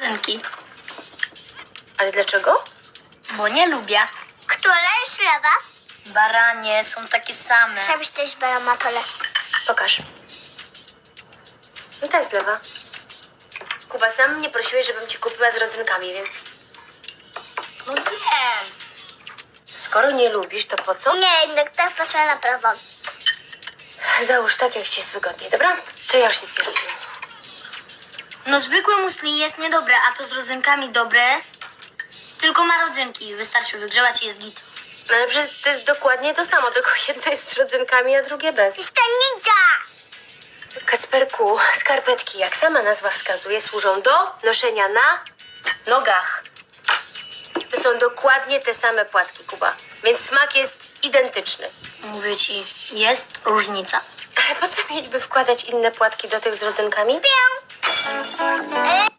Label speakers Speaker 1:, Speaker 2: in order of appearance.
Speaker 1: rodzynki.
Speaker 2: Ale dlaczego?
Speaker 1: Bo nie lubię.
Speaker 3: Która jest lewa?
Speaker 1: Baranie są takie same.
Speaker 3: Żebyś też brała matole.
Speaker 2: Pokaż. No ta jest lewa. Kuba, sam mnie prosiłeś, żebym ci kupiła z rodzynkami, więc
Speaker 1: No zjem.
Speaker 2: skoro nie lubisz, to po co?
Speaker 3: Nie, jednak tak pasuje na prawo.
Speaker 2: Załóż tak, jak ci jest wygodniej, dobra? Czy ja już nic nie rozumiem?
Speaker 1: No zwykłe musli jest niedobre, a to z rodzynkami dobre. Tylko ma rodzynki. Wystarczy wygrzewać i jest git.
Speaker 2: No ale przecież to jest dokładnie to samo, tylko jedno jest z rodzynkami, a drugie bez.
Speaker 3: Jestem ninja!
Speaker 2: Kacperku, skarpetki, jak sama nazwa wskazuje, służą do noszenia na nogach. To są dokładnie te same płatki, Kuba. Więc smak jest identyczny.
Speaker 1: Mówię ci, jest różnica.
Speaker 2: Ale po co mieliby wkładać inne płatki do tych z rodzynkami?
Speaker 3: E,